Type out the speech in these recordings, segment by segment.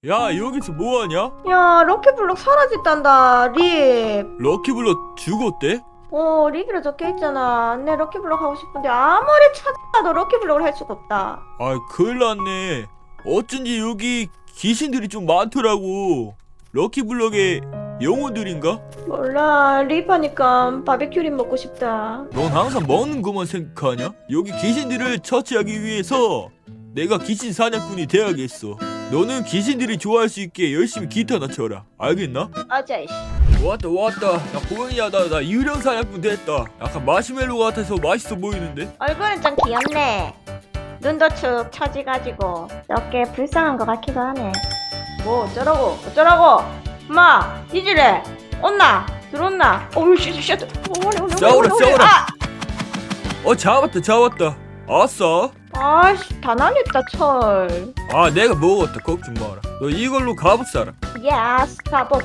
야, 여기서 뭐하냐? 야, 럭키블럭 사라졌단다, 립. 럭키블럭 죽었대? 립이라 적혀있잖아. 내 럭키블럭 하고 싶은데 아무리 찾아도 럭키블럭을 할 수가 없다. 아, 큰일 났네. 어쩐지 여기 귀신들이 좀 많더라고. 럭키블럭의 영혼들인가? 몰라, 립 하니까 바베큐 립 먹고 싶다. 넌 항상 먹는 것만 생각하냐? 여기 귀신들을 처치하기 위해서 내가 귀신 사냥꾼이 돼야겠어. 너는 귀신들이 좋아할 수 있게 열심히 기타나 쳐라. 알겠나? 아자이씨. 왔다. 야, 보이냐? 나 유령 사냥꾼 됐다. 약간 마시멜로 같아서 맛있어 보이는데? 얼굴은 좀 귀엽네. 눈도 축 처지가지고 몇 개 불쌍한 것 같기도 하네. 뭐 어쩌라고? 엄마, 이질래? 온나? 들어온나? 어우, 쉣. 싸워라. 잡았다. 아싸. 아씨, 다 날렸다, 철. 아, 내가 먹었다. 걱정 마라. 너 이걸로 갑옷 사라. 예스, 가보.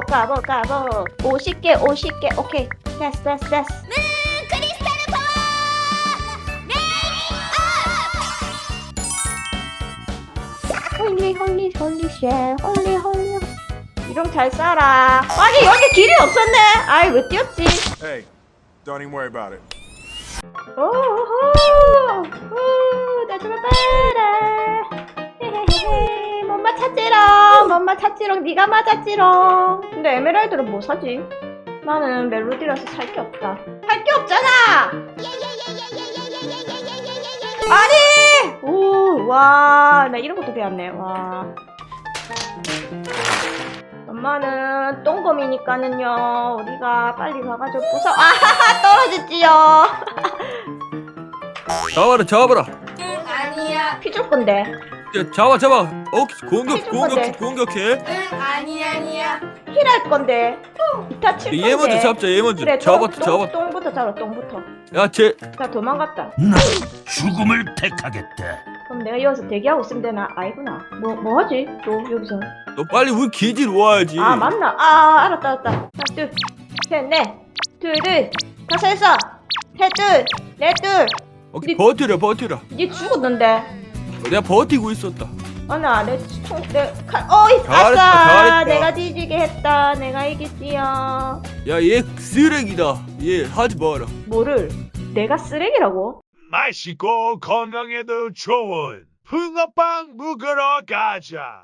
50개, 오케이. 됐어. 홀리. 이런 잘 싸라. 아니, 여기 길이 없었네. 아이, 왜 뛰었지? Hey, don't even worry about it. 오호, 나 좀 봐라. 헤헤헤, 몸마 찾지롱, 네가 맞았지롱. 근데 에메랄드는 뭐 사지? 나는 멜로디라서 살 게 없다. 할 게 없잖아. 아니! 오, 와, 나 이런 것도 배웠네. 와. 엄마는 똥검이니까는요, 우리가 빨리 가가지고 부숴. 아하하, 떨어졌지요. 잡아라. 응, 아니야. 피줄 건데. 야, 잡아. 공격해. 응, 아니야. 힐할 건데. 기타 칠 건데. 얘 먼저 잡자. 그래, 잡았다. 똥부터 잡아, 똥부터. 야, 나 도망갔다. 난 죽음을 택하겠다. 그럼 내가 여기서 대기하고 있으면 되나? 아니구나. 뭐 하지? 또 여기서. 너 빨리 우리 기지로 와야지. 아, 맞나? 아, 알았다. 하나, 둘, 셋, 넷. 둘, 다섯, 여섯. 셋, 둘, 넷, 둘. 오케이, 버텨라. 니 죽었는데. 내가 버티고 있었다. 아나, 내 칼. 어이, 아싸. 잘했다. 내가 뒤지게 했다. 내가 이겼지요. 야, 얘 쓰레기다. 얘 하지 마라. 뭐를? 내가 쓰레기라고? 맛있고 건강에도 좋은 붕어빵 먹으러 가자.